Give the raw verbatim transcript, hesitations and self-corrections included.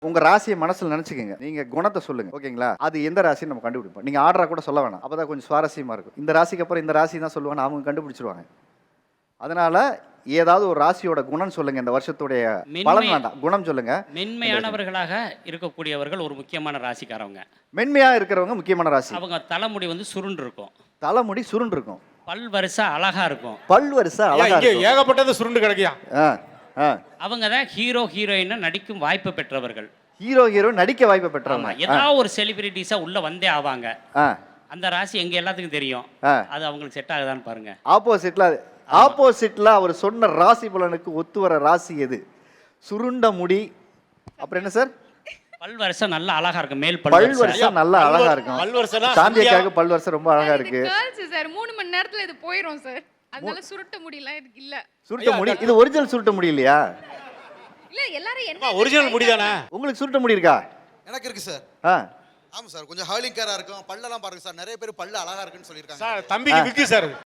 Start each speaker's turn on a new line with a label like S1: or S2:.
S1: உங்க ராசியை மனசுல நினைச்சுக்கங்க. நீங்க குணத்தை சொல்லுங்க. ஓகேங்களா? அது எந்த ராசின்னு நம்ம கண்டுபிடிப்போம். நீங்க ஆர்டரா கூட சொல்ல வேணாம். அப்பதான் கொஞ்சம் சுவாரஸ்யமா இருக்கும். இந்த ராசிக்கு அப்புறம் இந்த ராசி தான் சொல்லுவாங்க, அவங்க கண்டுபிடிச்சிருவாங்க. அதனால ஏதாவது ஒரு ராசியோட குணம் சொல்லுங்க. இந்த வருஷத்துடைய பலன் வேண்டாம், குணம் சொல்லுங்க.
S2: மென்மையானவர்களாக இருக்கக்கூடியவர்கள் ஒரு முக்கியமான ராசிக்காரவங்க.
S1: மென்மையா இருக்கிறவங்க முக்கியமான ராசி.
S2: அவங்க தலைமுடி வந்து சுருண்டு இருக்கும்,
S1: தலைமுடி சுருண்டு இருக்கும்,
S2: பல் வரிசை அழகா இருக்கும்,
S1: பல் வரிசை அழகா இருக்கும்.
S3: ஏகப்பட்டது சுருண்டு கிடக்கியா.
S2: அவங்க தான் ஹீரோ ஹீரோயினா நடிக்கும் வாய்ப்பு பெற்றவர்கள்.
S1: ஹீரோ ஹீரோ நடிக்க வாய்ப்பு பெற்றவங்க.
S2: ஏதாவது ஒரு செலிபிரிட்டிஸா உள்ள வந்தே ஆவாங்க. அந்த ராசி எங்க எல்லாத்துக்கும் தெரியும். அது அவங்களுக்கு செட் ஆகுதான்னு பாருங்க.
S1: ஆப்போசிட்ல ஆப்போசிட்ல அவர் சொன்ன ராசி பலனுக்கு ஒத்து வர ராசி எது? சுருண்ட முடி, அப்புறம் என்ன சார்?
S2: பல் வரிசை நல்லா அழகா இருக்கு. மேல்
S1: பல் வரிசை நல்லா அழகா இருக்கும்.
S3: பல் வரிசைனா
S1: சாந்தியாக்காக பல் வரிசை ரொம்ப அழகா இருக்கு.
S4: சார் மூணு மணி நேரத்துல இது போயிடும் சார். அதனால சுருட்ட முடியல இல்ல.
S1: சுருட்ட முடி இது ஒரிஜினல் சுருட்ட முடி இல்லையா?
S4: இல்ல எல்லாரும் என்ன
S3: ஒரிஜினல் முடி தானே.
S1: உங்களுக்கு சுருட்ட முடி இருக்கா?
S5: எனக்கு இருக்கு சார்.
S1: ஆ
S5: ஆமா சார், கொஞ்சம் ஹர்லிங் கேரா இருக்கும். பல்லெல்லாம் பாருங்க சார், நிறைய பேர் பல்லு அழகா இருக்குன்னு சொல்லியிருக்காங்க
S3: சார். தம்பிக்கு விக்கு சார்.